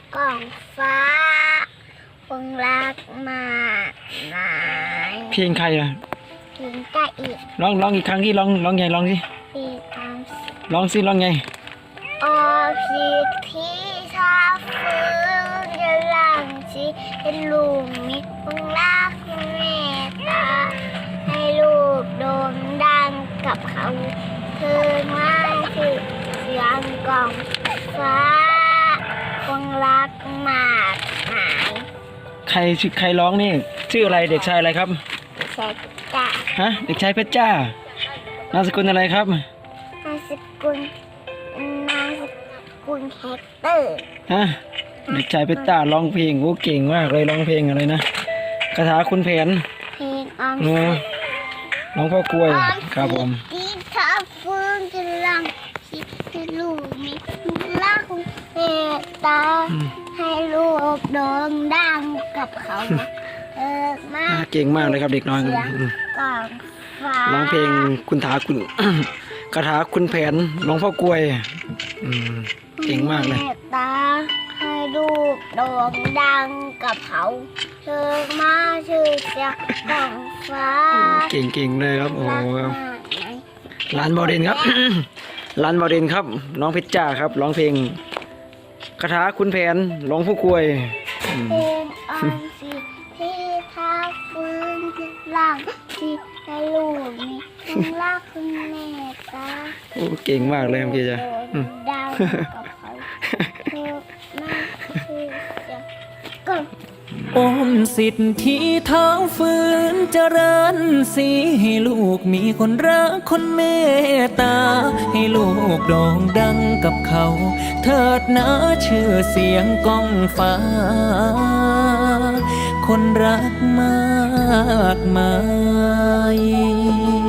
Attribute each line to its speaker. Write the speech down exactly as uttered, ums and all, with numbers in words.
Speaker 1: กล่องฟ้าคงรักมากมาย
Speaker 2: เพลงใครอ่ะ
Speaker 1: ถึงจะอีก
Speaker 2: ร้องร้องอีกครั้งที่ร้องร้องไงร้องสิ
Speaker 1: ปีตาม
Speaker 2: ร้องสิร้องไง
Speaker 1: ออพีที่ชาฟื้นจะหลังชีเป็นลูกมิตรคงรักเมตตาให้ลูกโด่งดังกับเขาเธอไม่คือเสียงกล่องฟ้าคงรักมากมาย
Speaker 2: ใครชื่อใครร้องนี่ชื่ออะไรเด็กชายอะไรครับ
Speaker 1: เช็ดจ้ะ
Speaker 2: ฮะเด็กชายเพชรจ้านามสกุลอะไรครับ
Speaker 1: นามสกุลนามสกุลแฮกเตอร์
Speaker 2: ฮะเด็กชายเพชรจ้าร้องเพลงโอ้เก่งมากเลยร้องเพลงอะไรนะคาถาคุณแผน
Speaker 1: เพลงออม
Speaker 2: โอ้
Speaker 1: สิน
Speaker 2: ร้องพ่อกล้วยครับผม
Speaker 1: ที่ถ้าฟื้นจะลังคิดให้ลูกมีรักเมตตาให้ลูกโด่งดังกับเขาเออมา
Speaker 2: อ่าก เก่งมากเลยครับเด็กน้อย
Speaker 1: เสียง
Speaker 2: อืม
Speaker 1: กล่องฟ้า
Speaker 2: ร้องเพลงคุณถาคุณ คาถาคุณแผนร้องพ่อกล้วยอืมเก่งมากเลย
Speaker 1: เมตตาให้ลูกโด่งดังกับเขาเธอมาชื่อเสียงกล่องฟ้า
Speaker 2: เก่งเก่งเลยครับโอ้
Speaker 1: รัก
Speaker 2: โห
Speaker 1: มากไหม
Speaker 2: ร้านบอเดนครับ ร้านบอเดนครับร้องเพชรจ้าครับร้องเพลงคาถาคุณแผนร้องพ่อกล้วยอืม
Speaker 1: เพลงออมสินที่ท้าฟื้นหลังที่ให้ลูกมีคุณรักคุณเมตตา
Speaker 2: โอ้เก่งมากเลยครับพี่จ้าอืม
Speaker 1: ดาวกับเขาเธอมาคือจะก็
Speaker 3: ออมสิทธิ์ที่เท้าฝืนเจริญสีให้ลูกมีคนรักคนเมตตา ให้ลูกโด่งดังกับเขา เถิดนะชื่อเสียงก้องฟ้า คนรักมากมาย